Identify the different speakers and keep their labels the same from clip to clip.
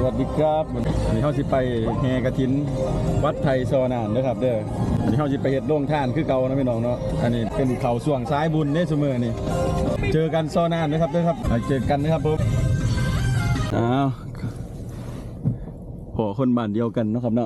Speaker 1: วัสดีครับวันนี้เขาสิไปแห่กฐินวัดไทยซอนานนะครับเด้อวันนี้เขาสิไปเฮ็ดโรงทานคือเก่านะพี่น้องเนาะอันนี้เป็นเขาส่วงซ้ายบุญเนี่ยเสมอนี่เจอกันซอนานนะครับเด้อครับเจอกันนะครับผมอ้าวขอคนบ้านเดียวกันเนาะครับเนาะ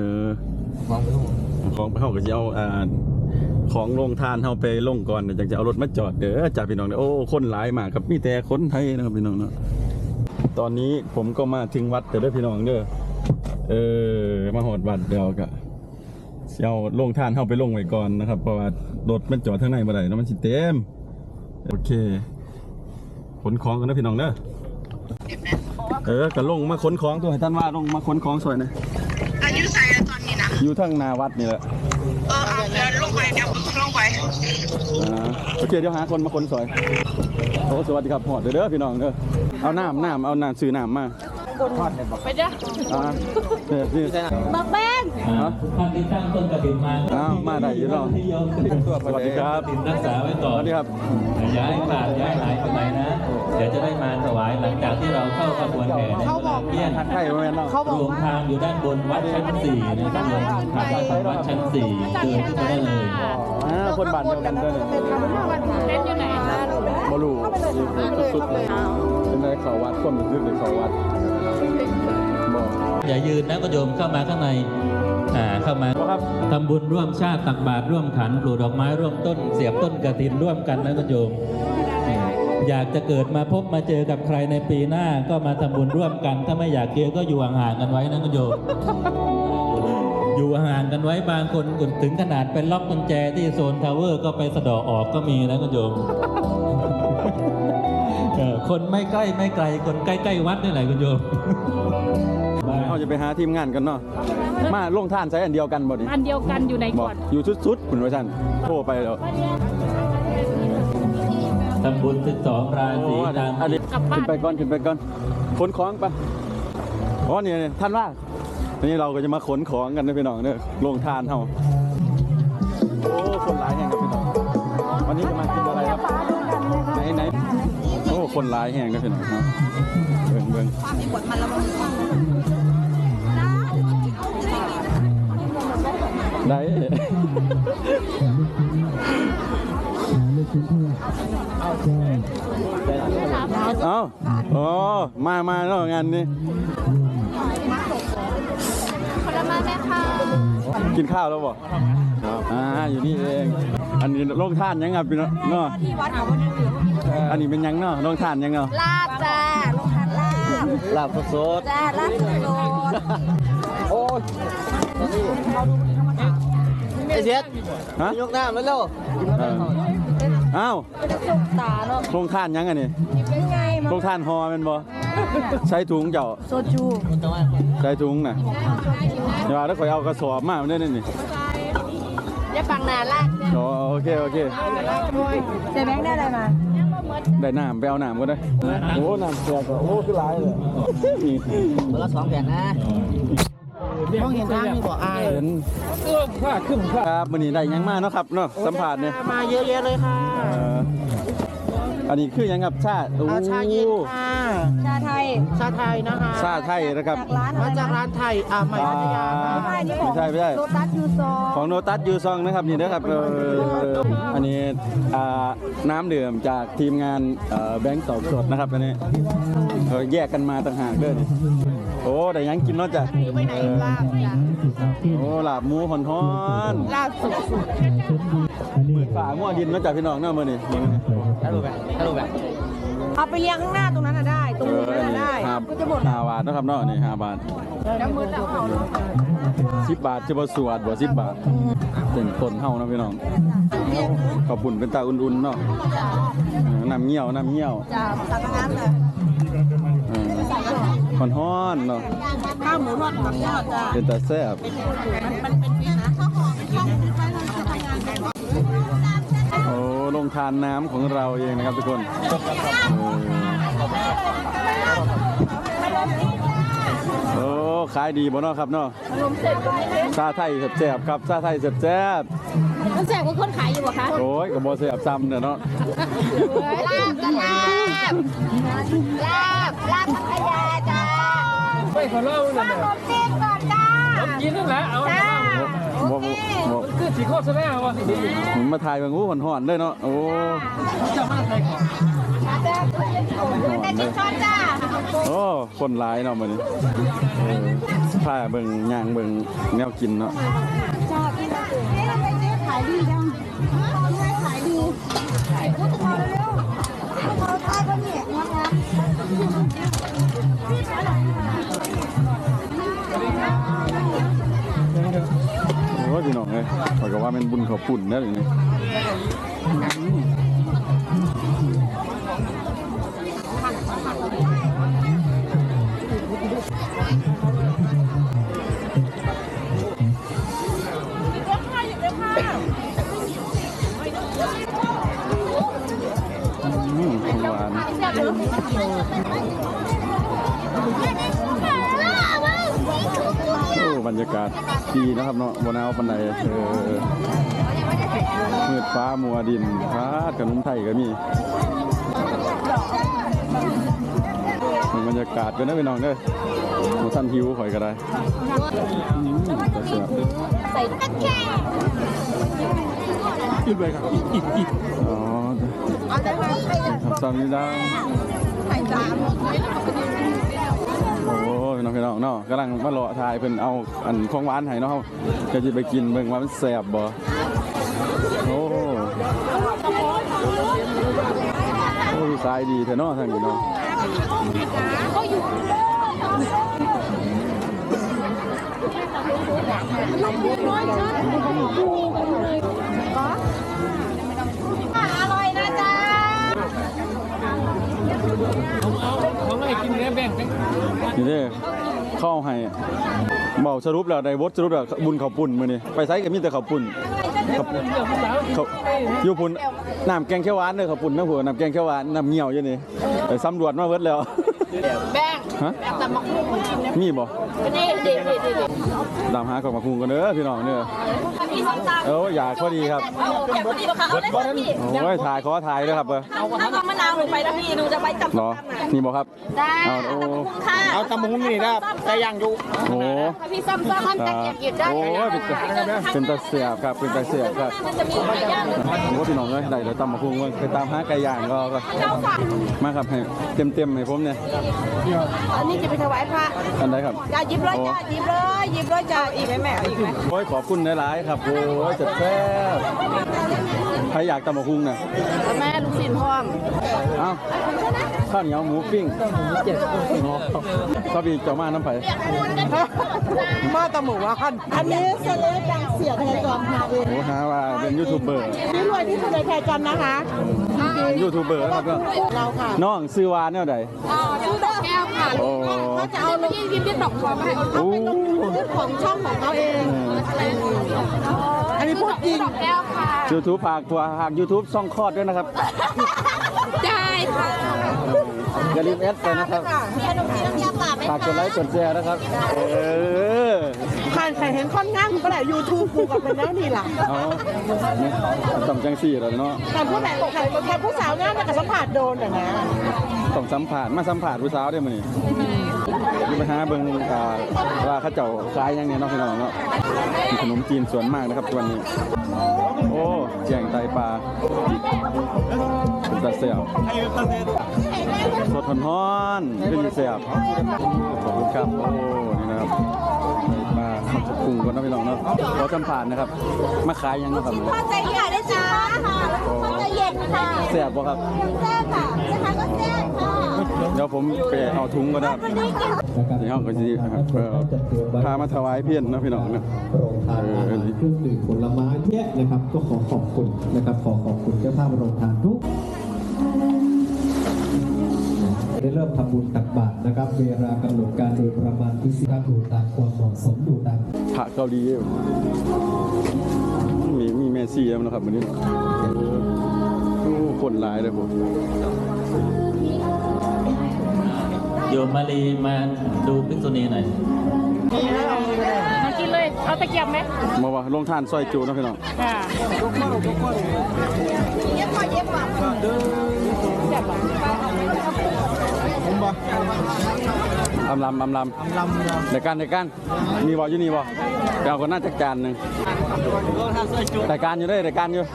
Speaker 1: ของไปเข้าก็จะเอาของโรงทานเข้าไปลงก่อนจากจะเอารถมาจอดเด้อจ่าพี่น้องโอ้คนหลายมากครับมีแต่คนไทยนะครับพี่น้องเนาะตอนนี้ผมก็มาถึงวัดแต่ด้วยพี่น้องเด้อมาหอดวัดเดียวกะเอาโรงทานเข้าไปลงไว้ก่อนนะครับเพราะว่ารถมันจอดข้างในมาได้แล้วมันสิเต็มโอเคขนของกันนะพี่น้องเด้อกะลงมาขนของตัวให้ท่านว่าลงมาขนของสวยนะอยู่ใส่ตอนนี้นะอยู่ทั้งนาวัดนี่แหละเดี๋ยวลงไปเดี๋ยวลงไปโอเคเดี๋ยวหาคนมาขนสวยโอ้สวัสดีครับหอดเด้อพี่น้องเด้อเอาน้ำซื้อน้ำมาไปเด้อนี่
Speaker 2: บักแบง
Speaker 3: ท่านที่ตั้งต้นกระถิ่น
Speaker 1: มาได้อยู่เนาะสวัสดีครับ
Speaker 3: รักษาไว้ก่อน
Speaker 1: สวัสดีครับ
Speaker 3: ย้ายขาดย้ายหายไปไหนนะเดี๋ยวจะได้มาถวายหลังจากที่เราเข้าขบวนแห่ในเพี้ยน
Speaker 1: ทักไทยมาเนาะ
Speaker 3: รวมทางอยู่ด้านบนวัดชั้น4นะครับรวมทางวัดชั้น4เดินขึ้นไปได้เลย
Speaker 1: คนบ้านเดียวกันด้วย
Speaker 2: เล่นอยู่ไหน
Speaker 1: บลูสุดๆเลยเป็นในเขาวัดคนยึดในเขาวัด
Speaker 3: อย่ายืนนะก็โยมเข้ามาข้างในเข้ามาทำบุญร่วมชาติตักบาตรร่วมขันปลูกดอกไม้ร่วมต้นเสียบต้นกฐินร่วมกันนะก็โยมอยากจะเกิดมาพบมาเจอกับใครในปีหน้าก็มาทำบุญร่วมกันถ้าไม่อยากเจอก็อยู่ห่างๆกันไว้นะก็โยมอยู่ห่างกันไว้บางคนถึงขนาดเป็นล็อกกุญแจที่โซนทาวเวอร์ก็ไปสะดอกออกก็มีนะก็โยมคนไม่ใกล้ไม่ไกลคนใกล้ๆวัดนี่แหละคุณโยม
Speaker 1: เขาจะไปหาทีมงานกันเนาะมาลงท่านใช้อันเดียวกันบ่ดิ
Speaker 2: อันเดียวกันอยู่ในก่อน
Speaker 1: อยู่สุดๆคุณว่าท่านโทรไปแล้ว
Speaker 3: ทำบุญ12 ราศีตาม
Speaker 1: ขึ้นไปก่อนขนของไปอ๋อเนี่ยท่านว่านี่เราก็จะมาขนของกันนะพี่น้องเนี่ยลงทานเขาโอ้คนหลายแห่งครับพี่น้องวันนี้จะมากินอะไรครับไหนโอ้คนหลายแห่งครับพี่น้องครับเบิ่งได้เอาอ๋อมาแล้วงานนี้
Speaker 2: ผลไม้แม่ค่ะ
Speaker 1: กินข้าวแล้วบ่อยู่นี่เองอันนี้โรงทานยังครับพี่เนาะ
Speaker 2: ที่วัดเขา
Speaker 1: อันนี้เป็นยังเนาะโรงทานยังเนาะ
Speaker 2: ลาบจ้าโรงทาน
Speaker 1: ลาบสด
Speaker 2: จ้าลาบสด
Speaker 1: โอ้ย
Speaker 4: ไอ้เสียดยกน้ำแล้ว
Speaker 1: อ้าว
Speaker 2: ตาเนาะ
Speaker 1: โรงทานยังอันนี้โรงทานฮอเป็นบ่ใช้ถุงเจ้า
Speaker 2: โซจู
Speaker 1: ใช้ถุงน่ะเดี๋ยวถ้าข่อยเอากระสอบมาได้นี่
Speaker 2: อย่าปังนานละ
Speaker 1: โอเค
Speaker 2: เจ๊แบงค์ได้อะไรมา
Speaker 1: ได้น้ำไปเอาน้ำก็ได้โอ้น้ำเสียก็โอ้คือหลายเลย
Speaker 4: คนละ2 แผ่นนะห้องเห็นทางมีบ่อาย
Speaker 1: เห็นผ้าขึ้นครับมื้อนี้ได้ยังมาเนาะครับเนาะสัมภาษณ์เนี่ย
Speaker 4: มาเยอะแยะเลยค่ะ
Speaker 1: อันนี้คือยังครับชา
Speaker 4: ชาเย็นค่ะ
Speaker 2: ชาไทย
Speaker 4: นะคะ
Speaker 1: ชาไทยนะครับ
Speaker 4: มาจากร้านไทยใหม่พัทยา
Speaker 1: ไม่ใช่
Speaker 2: โลตัสยูซอง
Speaker 1: ของโลตัสยูซองนะครับนี่นะครับอันนี้น้ำดื่มจากทีมงานแบงค์ตอบสดนะครับอันนี้แยกกันมาต่างหากด้วยโอ้แต่ยังกินเนาะจ้ะโอ้ลาบหมูฮ้อน
Speaker 2: ลาบสุด
Speaker 1: ๆเหมือนฝ่ามั่วดินเนาะจ้ะพี่น้องเนาะมื้อนี้
Speaker 4: ถ้ารู้แบบ
Speaker 2: เอาไปเลี้ยงข้างหน้าตรงนั้นได้ตรงนั้นได้
Speaker 1: ก็จะหมด5 บาทนะครับเนาะนี่5 บาท10 บาทจะบ่สวดบ่10 บาทเป็นคนเฮานะพี่น้องขอบคุณเป็นตาอุ่นๆเนาะน้ำเงี้ยว
Speaker 2: จ้าตักน้ำเลย
Speaker 1: ฮ้อนเนาะ
Speaker 2: ข้าวหมูทอดผักทอดจ้า
Speaker 1: เป็นตาแซ่บ
Speaker 2: มันเป็นฟิชนะ
Speaker 1: โอ้ลงทานน้ำของเราเองนะครับทุกคนโอ้ขายดีบ่เนาะครับเนาะชาไทยแซ่บๆครับชาไทยแซ่บ
Speaker 2: มันแซ่บกว่าคนขายอยู่บ่คะ
Speaker 1: โอ้ยก็บ่แซ่บซ้ำเนาะ
Speaker 2: ลาบพัทยาจ้า
Speaker 5: ขอเล่าหน่อย
Speaker 2: ขนมจีนก่อนจ้า
Speaker 5: กินนั่นแหละเอา
Speaker 2: จ้า
Speaker 1: บ่
Speaker 5: คือสีโคตรแน่วะ
Speaker 1: ผมมาถ่ายบางงูห่อนๆเลยเนาะโอ้
Speaker 5: จะมาใส่ของ
Speaker 2: แต่จิ้มช้อนจ้า
Speaker 1: โอ้คนหลายเนาะมื้อนี้ผ้าเบิ่งย่างเบิ่งแนวกินเนาะ
Speaker 2: จ้ากินนี่เราไปซื้อขายดีจังขายดีพูดถึงเราเร็วๆเราทายก็เนี่ยนะคะ
Speaker 1: โอ้ยพี่น้องเอ้ยข้อยก็ว่าเป็นบุญข้าวปุ้นแน่เลยนี่ ของหวานโอ้บรรยากาศดีนะครับเนาะบนเอาปันไดมืดฟ้ามัวดินฟ้าขนมไทยก็มีบรรยากาศเป็นนะพี่น้องเด้อหมูท่านหิวข่อยก็ได้
Speaker 2: ใส่ตะแคง
Speaker 1: อีกเลยครับอีกอ๋อ
Speaker 2: เอาได้ไหม
Speaker 1: สามีดาว
Speaker 2: ไข่สาม
Speaker 1: โอ้พี่น้องเนาะกำลังมาเลาะทายเพิ่นเอาอันของหวานให้เนาะจะไปกินเบิ่งว่ามันแซ่บบ่โอ้ขายดีแท้เนาะทางนี้เนาะ
Speaker 2: เขาอยู่อร่อยนะจ๊ะ
Speaker 5: เขาไม่กินเนื้อแบ่ง
Speaker 1: นี่เด้เข้าให้เบาสรุปแล้วได้บทสรุปแล้วบุญข้าวปุ้นมื้อนี้ไปไสก็มีแต่ข้าวปุ้นเขาอยู่พุ่นน้ำแกงเขียวหวานเด้อข้าวปุ้นนะผัวน้ำแกงเขียวหวานน้ำเงี้ยวอยู่นี่ไปสำรวจมาเบิดแล้ว
Speaker 2: แบ่ง
Speaker 1: ฮะ
Speaker 2: แต่มาคู่คนกินนะ
Speaker 1: มีบ่
Speaker 2: นี่เด็ด
Speaker 1: ตามหาของมาคุงกันเด้อพี่น้องเด้อ
Speaker 2: พี่ส้มตำ
Speaker 1: อยากพอดีครับ
Speaker 2: อยากพอดีป่ะคะเอาได้เลยพี่
Speaker 1: โอ้ยถ่ายขอถ่ายด้วยครับเบอร์
Speaker 2: ถ้าเอามะนาวลงไปนะพี่หนูจะไปจับ
Speaker 1: เหรอนี่บอกครับ
Speaker 2: ได้
Speaker 1: เอาโอ้
Speaker 2: ค่ะ
Speaker 4: เอาตำบักหุ่งนี่นะแต่ย่างอยู่
Speaker 1: โห
Speaker 2: พี่ซ้ำๆมันจะเก็บได้
Speaker 1: โอ้ยเป็นตาเสียบครับเป็นตาเสียบครับ
Speaker 2: มันจะมีไก่ย่าง
Speaker 1: ผมว่าพี่น้องเลยได้เดี๋ยวตำมาคุงไปตามหาไก่ย่างก็
Speaker 2: เจ้าค่ะ
Speaker 1: มาครับให้เต็มให้ผมเนี่ย
Speaker 2: อันนี้จะไปถวายพระ
Speaker 1: อันไหนครับ
Speaker 2: จ้าหยิบเลยจ้าหยิบเลยจ้าอีกไหมแม่อีกไหม
Speaker 1: โอ้ยขอบคุณหลายๆครับโอ้ยจัดแซ่บใครอยากตำมาคุงเนี่ย
Speaker 2: แม่ลูกศิษย์พร้อม
Speaker 1: เอ้าข้าวเหนียวหมูปิ้งก็มีเจ้ามาน้ำไผ่
Speaker 4: มาตะหมูอ่ะคัน
Speaker 2: อันนี้เสลอจังเสียแพรจอมมาเอง
Speaker 1: โอ้หาว่าเป็นยูทูบเบอร์
Speaker 2: นี่รวยที่สุดในแพรจอมนะคะ
Speaker 1: ยูทูบเบอร์นะครับ
Speaker 2: เราค่ะ
Speaker 1: น้องซื้อวานเนี่ยใด
Speaker 2: ชื่อดอกแก้วค่ะ
Speaker 1: โอ้
Speaker 2: เขาจะเอาลงพิมพ์ที่ดอกบัวมาให้เขาไปลงซื้อของช่องของเขาเองอันนี้พูดจริงดอกแก้วค่ะ
Speaker 1: ยูทูบฝากตัวหาก YouTube ซ่องคลอดด้วยนะครับ
Speaker 2: ได้ค่ะ
Speaker 1: อย่าลืมแอดไปนะครับ
Speaker 2: มีขนมจีนน้ำยาป่าไหม
Speaker 1: ฝากกดไลค์กดแชร์นะครับ
Speaker 2: ผ่านใครเห็นค่อนข้างก็แหละยูทูบกูกับเป็นแล้วนี่ล่ะ
Speaker 1: เอาต้องจังสี่แล้วเนาะ
Speaker 2: แต่ผู้ไหนใครผู้สาวงามแต่กับสัมผัสโดนอ่ะนะ
Speaker 1: ต้องสัมผัสมาสัมผัสผู้สาวได้มั้ยนี่ไปหาเบิ่งว่าเขาเจ้าขายยังเนี่ยเนาะพี่น้องเนาะมีขนมจีนสวนมากนะครับวันนี้โอ้แกงไตปลาเป็นตาเสียบสดฮ้อนๆเป็นเสียบขอบคุณครับโอ้นี่นะครับมาปรุงกันนะพี่น้องเนาะขอสัมผัสนะครับมาขายยังนะครับ
Speaker 2: พอใจใหญ่ได้จ้าพอใจเย็นค่ะ
Speaker 1: เสียบบ่ครับ
Speaker 2: แซ่บค่ะนะคะก็แซ่บค่ะ
Speaker 1: เดี๋ยวผมไปเอาถุงก็ได้ที่ห้องก็จะพามาถวายเพี้ยนนะพี่น้องนะ
Speaker 6: โรงทานอาหารเครื่องดื่มผลไม้เนี่ยนะครับก็ขอขอบคุณนะครับขอขอบคุณเจ้าภาพโรงทานทุกได้เริ่มทำบุญตักบาตรนะครับเวลากำหนดการโดยประมาณที่สิบดูตามความเหมาะสมดูตาม
Speaker 1: พระเกาหลีมีแม่ซี่แล้วนะครับวันนี้โอ้คนหลายเลยผม
Speaker 3: โยมมาลีมาดูภิกษุณีหน่อย
Speaker 2: มากินเลย เอาตะเกียบไหม
Speaker 1: มาว่าลงทานซอยจูนะพี่น้อง
Speaker 2: ค่ะเย็บกว่า
Speaker 4: บ่
Speaker 1: อำลำเดี๋ยวกันมีบ่อยู่นี่บ่เดี๋ยวเอาคนน่าจักจานหนึ่งรายการอยู่ด้วยรายการอยู่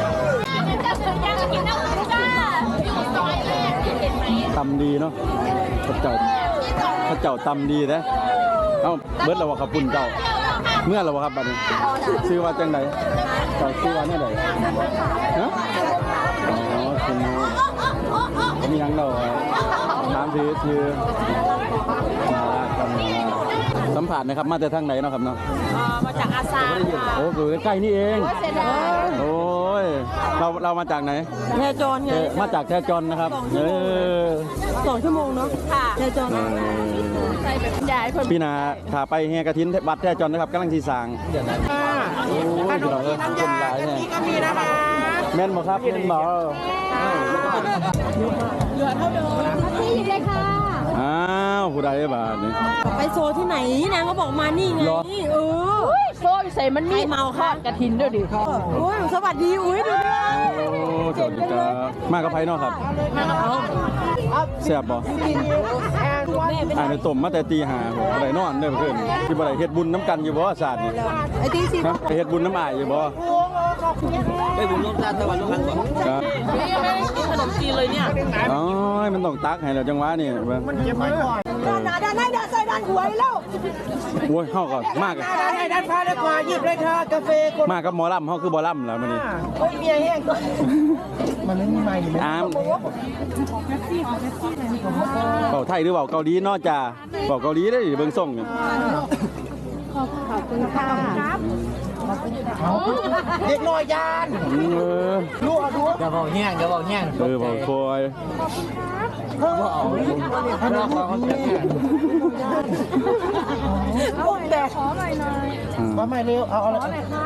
Speaker 1: ตำดีเนาะพระเจ้าตำดีนะเอ้าเบิดแล้วว่าขับปุ่นเจ้าเมื่อแล้วว่าครับบัดนี้ชื่อว่าจังไหนเจ้าชื่อว่าเนี่ยไหนฮะอ๋อคุณมียังเราน้ำชื่อสัมผัสนะครับมาจากทางไหนเนาะครับเนาะ
Speaker 2: มาจากอาซา
Speaker 1: โอ้อยู่ใกล้ๆนี่เองโอ้ยเรามาจากไหน
Speaker 2: แทจอนไง
Speaker 1: มาจากแทจอนนะครับ
Speaker 2: 2 ชั่วโมงเนาะค่ะแทจอน
Speaker 1: พี่นาขาไปแห่กระถินวัดแทจอนนะครับกำลังสีสางโอ้ยพี่น้องคนหลายเนี่ยแม่นบ่ครับแม่นบ่
Speaker 2: พี่หยิบเลยค่ะ
Speaker 1: อ้าวผู้ใดบาทนี่
Speaker 2: ไปโซที่ไหนนางก็บอกมานี่ไงโซใส่มันมีเมาค่ะกระถินด้วยดิโอ้ยสวัสดีอุ้ยดูดิ
Speaker 1: โอ้สวัสดีครับมากับไผเนาะครับ
Speaker 2: มากับเขา
Speaker 1: แซ่บบ่ในต้มมาแต่ตีห้าบ่ได้นอนเด้อเพิ่นสิบ่ได้เฮ็ดบุญน้ำกันอยู่บ่ศาสตร์นี่
Speaker 2: ไอ้ตีสิ
Speaker 1: ไปเฮ็ดบุญน้ำอ้ายอยู่บ่
Speaker 4: ได้บุญร่วมชาติตะวันร่วมกันบ่
Speaker 1: ครับ
Speaker 2: กินขนมจีนเลยเนี่ย
Speaker 1: อ๋อมันต้องตักให้แล้วจังหวะนี่
Speaker 4: มันเก็บไว้ก่อน
Speaker 2: ด้านใส่ด้านหวยแล้ว
Speaker 1: โอ้ยเฮาก็มาก
Speaker 4: ด้านฟ้าด้านขวาหยิบเลยค่ะกาแฟ
Speaker 1: มากับหมอลำเฮาคือบ่ลำแล้วมื้อนี้
Speaker 4: โอ้ยเมียแห้งก่อนมันไม่มีไม้เลย
Speaker 1: อ้ามเว้าไทยหรือเว้าเกาหลีเนาะจ้าเว้าเกาหลีได้เบิ่งส่งนี่
Speaker 2: ขอบคุณค่ะ
Speaker 4: เด็กน้อยยานลูกอย่าบอกแห้ง
Speaker 1: เว้าคอย
Speaker 2: เอาแต่ขอหน่อย
Speaker 4: ว่าไม่เร็วเอาอะไร
Speaker 2: ค่ะ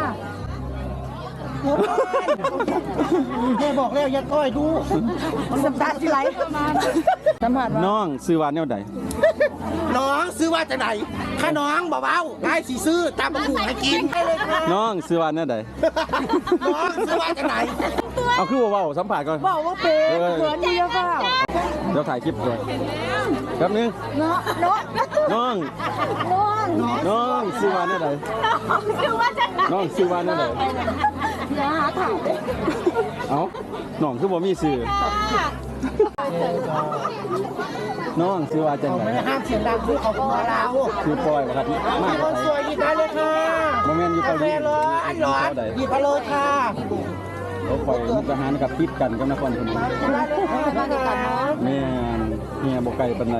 Speaker 4: แม่บอกแล้วยัดก้อยดู
Speaker 2: สัมตาสิไหลสัมผัส
Speaker 1: น้องซื้อว่าแนวใด
Speaker 4: น้องซื้อว่าจากไหนข้าน้องเบาๆได้สิซื้อตามมาหูให้กิน
Speaker 1: น้องซื้อว่าแนวใด
Speaker 4: น้องซื้อว่าจากไหน
Speaker 1: เอาคือเว้าสัมผัสก่อน
Speaker 2: บอกว่าเป็นเหมือนดีค่ะ
Speaker 1: เดี๋ยวถ่ายคลิปก่อนแป๊บนึงน้องซื้อว่าแนวใดน้องซื้อว่าแนวใด
Speaker 2: อย่าหาถ่าย
Speaker 1: เอ้าน้องคือบ่มีซื้อน้องซื้อว่าจังได๋
Speaker 4: ไม่ห้ามเสียงดังคือเขาพอแล้ว
Speaker 1: คือปล่อยครับมา
Speaker 4: คนสวยหยิบได้เลยค่ะ
Speaker 1: บ่แม่นอยู่เกาหลี
Speaker 4: ร้อนหยิบมาเลยค่ะ
Speaker 1: เขาปล่อยมุกดาหารกับติดกันกับนครพนมแม่เนี่ยบ่ไกลปานใด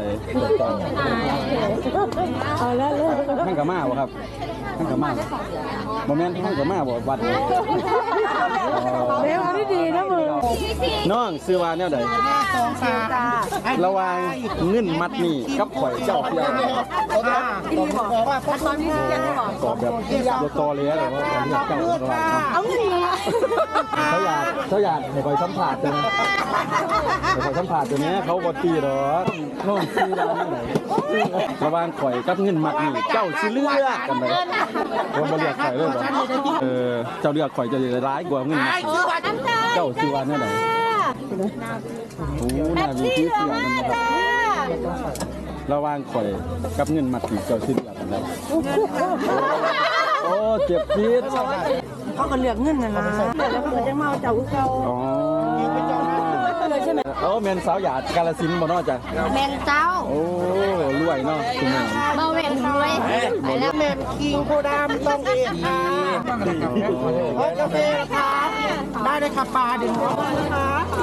Speaker 2: เอาแล้ว
Speaker 1: ท่านกะมาบ่ครับท่านกะมาบ่แม่นท่านกะมาบ่วัด
Speaker 2: เร็วดีนะมึง
Speaker 1: น้องซื้อว่าแนวใดระหว่างเงินมัดนี่กับข่อยเจ้าเพียง
Speaker 2: ว่าตอนนี้ยังไม่บอก
Speaker 1: ตอบแบบบ่ตอเลยแล้วว่าเจ้าระหว่าง
Speaker 2: เอาเงินมา
Speaker 1: เขาอยากให้ข่อยสัมภาษณ์จังให้ข่อยสัมภาษณ์ตัวนี้เขาบ่ตีดอกน้องซื้อว่าแนวใดระหว่างข่อยกับเงินมัดนี่เจ้าสิเลือกกันไดบ่เลือกข่อยเลยบ่เจ้าเลือกข่อยจะได้ร้ายกว่าเงินมัดเจ้าซื้อว่าแนวใดโอ้น่ามีที่เสียกันนะครับระหว่างข่อยกับเงินมัดนี่เจ้าสิเลือกกันได้โอ้เจ็บจี๊ด
Speaker 2: เขาก็เลือกเงินนะแล้วเกิดจะเมาเจ้าเก่า
Speaker 1: อ๋อ
Speaker 2: เลยใช่ไหม
Speaker 1: แมนสาวหยาดกาฬสินธุ์บ่เนาะจ้ะ
Speaker 2: แมนเจ้า
Speaker 1: โอ้รวยเนาะคุณแม่
Speaker 2: เบาแมนรวย
Speaker 4: ไปแล้วแมนคิงโคดามต้องเองค่ะกาแฟค่ะได้เลยค่ะปลาดึงค่ะ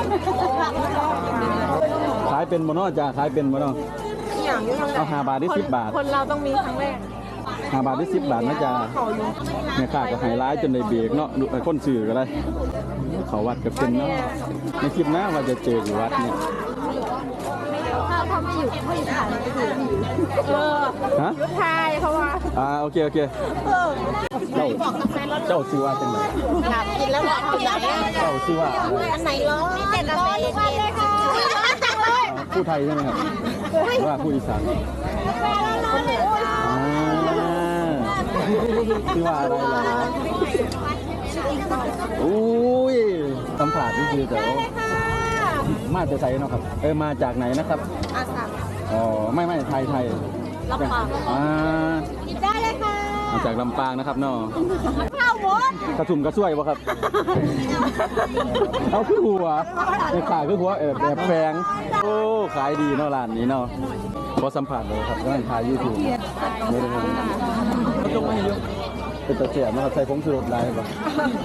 Speaker 1: ขายเป็นบ่เนาะจ้ะขายเป็นบ่เนาะเอา5 บาทได้10 บาท
Speaker 2: คนเราต้องมีครั้งแรก
Speaker 1: 5 บาทได้10 บาทนะจ๊ะแม่ค้าก็ให้ร้ายจนได้เบรกเนาะคนซื้อก็ได้เขาวัดกับเป็นเนาะในคลิปหน้าว่าจะเจออยู่วัดเนี่ย
Speaker 2: เขาไม่อยู่เขาอยู่ถ่าย
Speaker 1: ฮะ
Speaker 2: ถ่ายเขาว่า
Speaker 1: โอเคเจ้าซื้อว่าจังไหน
Speaker 2: อยากกินแล้วบอกเขาอยาก
Speaker 1: เจ้าซื้อว่า
Speaker 2: อันไหนร้อนมีแต่กาแฟเย็นจังเลย
Speaker 1: ผู้ไทยใช่ไหมครับหรือว่าผู้อีสานซื้อว่าอะไรล่ะอุ้ยสัมผัสนี่คือแต่มาจากไหนเนาะครับมาจากไหนนะครับ
Speaker 2: อาสา
Speaker 1: อ๋อไม่ไทย
Speaker 2: ลำปาง
Speaker 1: อ่า
Speaker 2: หยิบได้เลยค่ะ
Speaker 1: มาจากลำปางนะครับเนาะ
Speaker 2: ข้าวหมด
Speaker 1: กระชุ่มกระชวยวะครับ เอาคือหัวในขายคือหัวแบบแฝงโอ้ขายดีเนาะร้านนี้เนาะขอสัมผัสเลยครับร้านขายยูทูบไม่ได้จงไม่เยอะเป็นตะเกียบนะครับใส่ผงชูรสลายป่ะ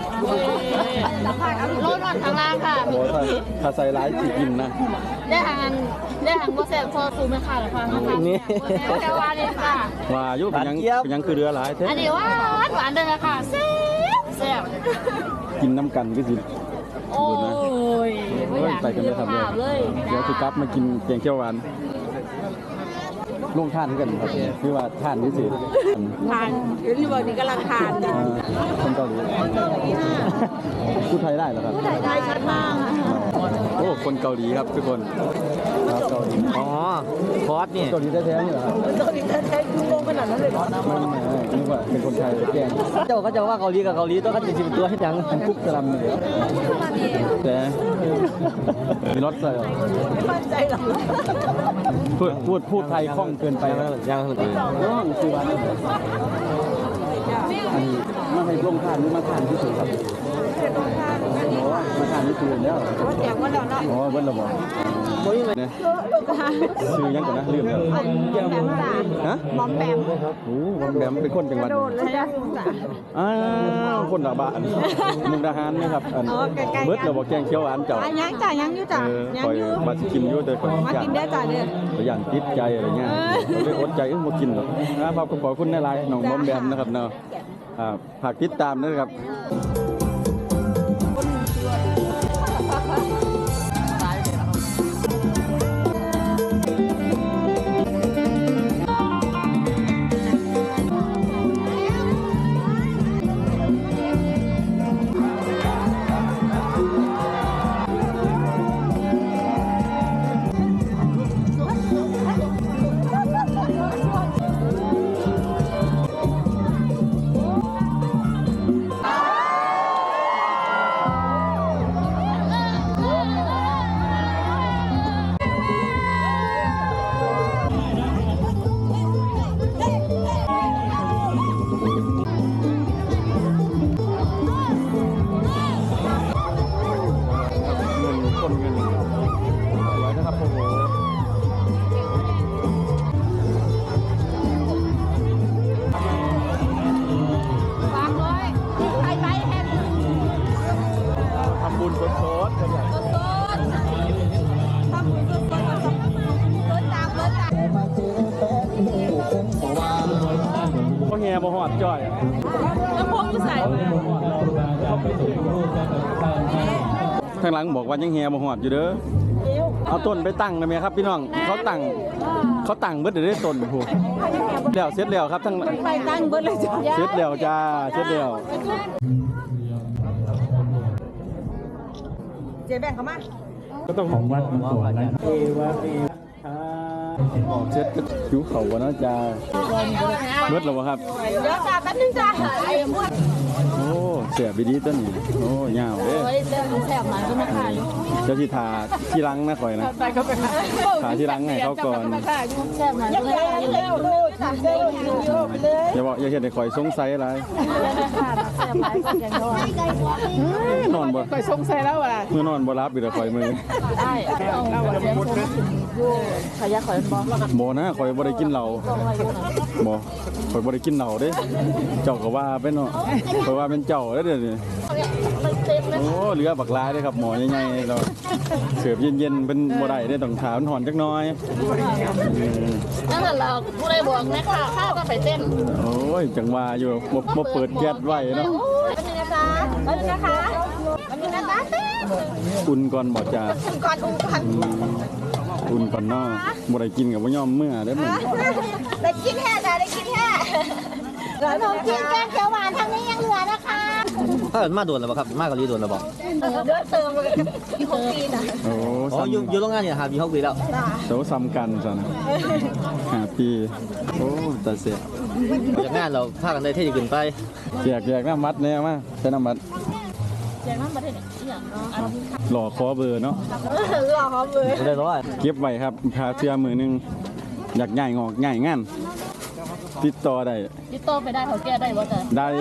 Speaker 2: โลนอนข้างล่างค่ะ
Speaker 1: โอ้ถ้าใส่ร้ายจีกินนะ
Speaker 2: ได้ทางโมเสสพอซูไม่ค่ะหรอคะนะคะ
Speaker 1: นี่
Speaker 2: แค่ว่าเลยค่ะ
Speaker 1: ว่ายุเป็นยังคือเรือหลายแท้
Speaker 2: อันนี้หวานเลยค่ะแซ่บ
Speaker 1: กินน้ำกันก็สิ
Speaker 2: โอ้ย
Speaker 1: โอ้ยไปกันเลยครับเดี๋ยวคือกลับมากินแกงเขียวหวานลงทานกันครับคือว่าทานนี่สิ
Speaker 2: ทานเดี๋ยวนี้บอกนี่กำลังทาน
Speaker 1: คนเกาหลีพูดไทยได้เหรอครับ
Speaker 2: ได้ชัดมาก
Speaker 1: โอ้คนเกาหลีครับทุกคนครับเกาหลี
Speaker 7: อ๋อคอร์สนี่
Speaker 1: เกาหลีแท้ๆนี่เหรอครับ
Speaker 2: เกาหลีแท้ๆคือโกงขนาดนั้นเลยเหรอ
Speaker 1: ไม่นึกว่าเป็นคนไทยแกล้ง
Speaker 7: เจ้าก็จะว่าเกาหลีกับเกาหลีตัวกันจริงๆตัวให้ยัง
Speaker 1: มันคุกกระลำเลยแต่มีรสใส่เหรอ
Speaker 2: ไม่มั่นใจหรอก
Speaker 1: พูดไทยคล่องเกินไปแล้ว
Speaker 7: ยังเลย
Speaker 1: น้องคือวันอันนี้มาให้ร่วมทานหรือมาทานที่สุดครับมาทานที่สุดแล้ว
Speaker 2: แจกวันแล้วเนาะ
Speaker 1: อ๋อเบิ้ลระบอกเนี่ยชื่อยังก่อนนะลืมแล้ว
Speaker 2: แปมจ้ะ
Speaker 1: ฮะ
Speaker 2: หมอมแปม
Speaker 1: โอ้วันแบมเป็นคนจังหวัด
Speaker 2: เลยจ้ะ
Speaker 1: อ้าวคนดาบะมุกดาหารนะครับอันเบิร์ดระบอกแกงเขียวหวานเจ้า
Speaker 2: ยังจ้ะยังอยู่จ้ะยัง
Speaker 1: คอย
Speaker 2: อยู่
Speaker 1: มากินอยู่แต่คน
Speaker 2: มากินได้จ้ะเนี่ย
Speaker 1: ย่านติดใจอะไรเงี้ยเลยอดใจมากินหรอกนะครับขอบคุณในไลน์น้องบอมแบมนะครับเนาะฝากติดตามนะครับ เงินคนเงินไว้นะครับโอ้โห
Speaker 2: วางเลยไปแฮม
Speaker 1: ทำบุญสดๆกันอย่าง
Speaker 2: สดทำบุญสดเบิร์ดตาม
Speaker 1: ก็แห่บ่หอดจ่อย
Speaker 2: แล้วพวกอยู่ใส่
Speaker 1: ทางหลังบอกว่ายังแห่บ่หอดอยู่เด้อเอาต้นไปตั้งได้ไหมครับพี่น้องเขาตั้งเบิดเดี๋ยวได้ต้นโอ้โหแล้วเสร็จแล้วครับทั้ง
Speaker 2: ไปตั้งเบิร์ดเลยจ้ะ
Speaker 1: เสร็จแล้วจ้าเสร็จแล้ว
Speaker 2: เจ๊แบ่งเขามา
Speaker 1: ก็ต้องของวัดมันก่อนนะเสร็จก็ผิวเขาวะเนาะจ้าเบิดแล้วบ่ครับ
Speaker 2: เดี๋ยวจ้าแป๊บนึงจ้าไอ้พวก
Speaker 1: โอ้เสียบดีต้นนี้โอ้ยาวเด้
Speaker 2: เฮ้ยเรื่องแสบมาก็ไม่ขาย
Speaker 1: เจ้าที่ทาที่รังนะคอยนะ
Speaker 2: ไปเขาไปขาย
Speaker 1: ทาที่รังให้เขาก่อน
Speaker 2: แสบมาก็ไม่ขายเร็วดูตัดเร็วไปเลย
Speaker 1: อย่าเห็นให้คอยสงสัยอะไร
Speaker 2: แสบไปอย่างนอน
Speaker 1: นอนบ่
Speaker 4: ไปสงสัยแล้วว่ะ
Speaker 1: เมื่อนอนบ่รับอีกแล้วคอยมือ
Speaker 2: ได้เอาเสียงสูงอยู่ขยักขอยบอก
Speaker 1: บ่นะคอยบ่ได้กินเหล้าบ่คอยบ่ได้กินเหล้าเด้เจ้าก็ว่าเป็นเนาะคอยว่าเป็นเจ้าเด้อเดี๋ยวนี้
Speaker 2: เต็มเลย
Speaker 1: โอ้เรือบักลายเด้ครับหมอใหญ่ๆเราเสิร์ฟเย็นๆเป็นบ่ได้เด้ต้องถามหอนจักหน่อย
Speaker 2: นั่นแหละเราผู้ใดบอกนะค่ะข้าวก็ไปเต้น
Speaker 1: โอ้ยจังว่าอยู่บ่เปิดแก๊สไว้เนาะ
Speaker 2: วันนี้นะคะวันนี้นะคะวันนี้นะคะเต้น
Speaker 1: อุ่นก่อนบ่จ้า
Speaker 2: ก่อนอุ้มก่อน
Speaker 1: อุ่นก่อนเนาะบ่ได้กินก็บ่ยอมเมื่อเด้อมัน
Speaker 2: ได้กินแค่จ้ะได้กินแค่ขนมจีนแกงเขียวหวานทางนี้ยังเหลือนะคะ
Speaker 7: ถ้าเกิดมาโดนแล้วครับมาเกาหลีโดนแล้วบอก
Speaker 2: เดินเติมเลยที่ของจีนอ่ะ
Speaker 1: โอ้
Speaker 7: อ๋ออยู่โรงงานเนี่ยครับมี6 ปีแล้ว
Speaker 1: เสาซ้ำกันซั่น5 ปีโอ้ตาเสีย
Speaker 7: จากงานเราพากันได้เท่ดีขึ้นไป
Speaker 1: แจกน้ำมัดแน่มาใช้น้ำมัด
Speaker 2: แจกน้ำประเทศอย่างเนาะ
Speaker 1: หล่อคอเบอร์เนาะ
Speaker 2: หล่อเขาเลย
Speaker 7: ได้ร้อย
Speaker 1: เก็บไว้ครับพาเสื้อมือหนึงอยากง่ายงอกง่ายงานติดต่อได้
Speaker 2: ยึดโตไปได้เขาแก้ได้บ่จ้ะ
Speaker 1: ได้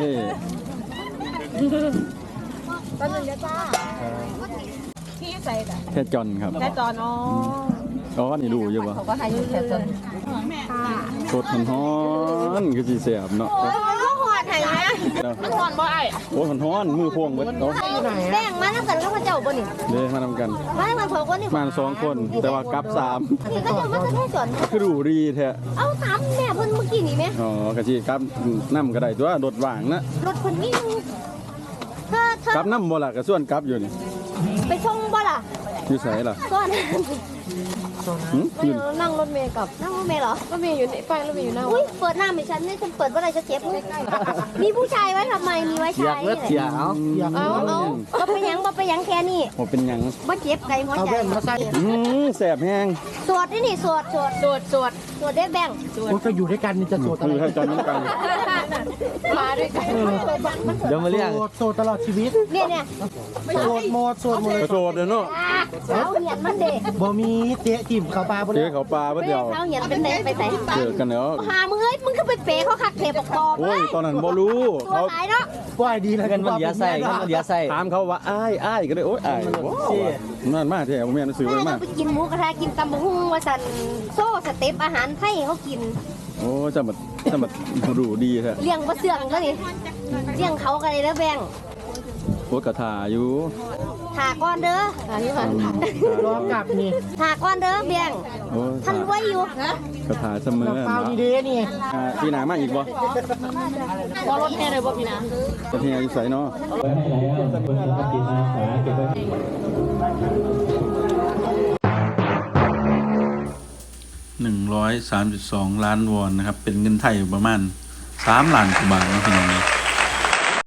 Speaker 2: ตอนนึงเดี๋ยวจ้าพี่ใส่จ้ะ
Speaker 1: แค่จอนครับ
Speaker 2: แค่จอนอ๋อ
Speaker 1: อ๋อนี่ดูอยู่ปะ
Speaker 2: เขาก็ให้อยู่แค่จอนค่ะ
Speaker 1: สดฮ้อนๆคือสีเสียบเนาะ
Speaker 2: โอ้ยหอดไห้นะมันหอดบ่ไอ้
Speaker 1: โอ้ยฮ้อนๆมือพวงเบิดเนาะ
Speaker 2: แบ่งมาน้ำกันก็พระเจ้าบ่นี่
Speaker 1: เด้มาทำกัน
Speaker 2: มาน้ำกันเผาคนนี่
Speaker 1: มา2 คนแต่ว่ากลับ
Speaker 2: นี่ก็จะมาแค่จอน
Speaker 1: 3คือดูดีแท้
Speaker 2: เอาถามแม่เพิ่นเมื่อกี้นี่ไหม
Speaker 1: อ๋อกะสิกลับน้ำก็ได้ตัวรถว่างนะ
Speaker 2: รถเพิ่นมีเธอก
Speaker 1: ลับน้ำบ่ล่ะก็ส่วนกลับอยู่นี่
Speaker 2: ไปส่งบ่ล่ะ
Speaker 1: อยู่ไสล่ะ
Speaker 2: ก่อน
Speaker 1: ยืน
Speaker 2: นั่งรถเมย์กับนั่งรถเมย์เหรอรถเมย์อยู่ในป้ายรถเมย์อยู่หน้าอุ้ยเปิดหน้าให้ฉันนี่ฉันเปิดว่าอะไรจะเจ็บมีผู้ชายไว้ทำไมมีไว้
Speaker 7: อยา
Speaker 2: ชาก ย
Speaker 7: เลือดเสียเอา
Speaker 2: เอาบ่ไปยังบ่ไปยังแค่นี้
Speaker 1: บ่เป็นหยัง
Speaker 2: บ่เจ็บไกลหัว
Speaker 4: เอา
Speaker 2: ใจ
Speaker 4: แว่นมาใส่
Speaker 1: แสบแห้ง
Speaker 2: สวดนี่สวดได้แบ่ง
Speaker 4: โอ้ก็อยู่ด้วยกันนี่จะโสดอะ
Speaker 1: คื
Speaker 4: ไร
Speaker 1: อให้จอนน้ำกัน
Speaker 2: มาด้วยกัน
Speaker 7: เดี๋ยวมาเรียก
Speaker 4: โสดตลอดชีวิต
Speaker 2: เนี่ย
Speaker 4: โสดหมดโสดหมดเลย
Speaker 1: กระโดดเนาะ
Speaker 2: สาวเหียนมันเด็ก
Speaker 4: บ่มีเจ๊จิ้มเขาปลาบ่
Speaker 1: เจ๊
Speaker 4: ได้
Speaker 1: เขาปลาเบิดเดียว
Speaker 2: สาวเหียนเป็นไหนไปไหน
Speaker 1: เจอกันแล้ว
Speaker 2: หามึงเอ้ยมึงก็ไปเป๋เขาคักเทปกปอบ
Speaker 1: โอ้ยตอนนั้นบ่รู้
Speaker 2: ตัว
Speaker 1: เขา
Speaker 2: หายเนาะ
Speaker 4: ว่ายดีแล้ว
Speaker 7: เงินมันเหลือใส่เงินมันเหลือใส่
Speaker 1: ถามเขาว่าอ้ายก็เลยโอ๊ยอ้ายนั่นมาแท้บ่แม่นซื้อ
Speaker 2: แม่
Speaker 1: ไว้มา
Speaker 2: เราไปกินหมูกระทะกินตำบักหุ่งว่าสันโซ่สเต็ปอาหารไทยเขากิน
Speaker 1: โอ้จะมาดูดีแท้
Speaker 2: เลี้ยงบ่เสื่องก็นี่เลี้ยงเขากันเลยแล้วแบ่ง
Speaker 1: โคตรกระถาอยู่
Speaker 2: ถาก้อนเด้ออันนี้ค่ะ
Speaker 4: รอกลับนี่
Speaker 2: ถาก้อนเด้อแบ่ง
Speaker 1: โอ้
Speaker 2: ท่านไว้อยู่
Speaker 1: กระถาเสมอ
Speaker 4: น้ำเปล่านี่เด้นี่
Speaker 1: พี่หนามาอีกบ่
Speaker 2: บ่รถแห่เลยบ่พี่นะ
Speaker 1: จะเฮียอยู่ไสเนาะ
Speaker 3: ไว้ให้แล้วคนสมัครจิตอาสาเก็บไว้
Speaker 1: 132 ล้านวอนนะครับ เป็นเงินไทยประมาณ3 ล้านกว่าบาทนะพี่น้อง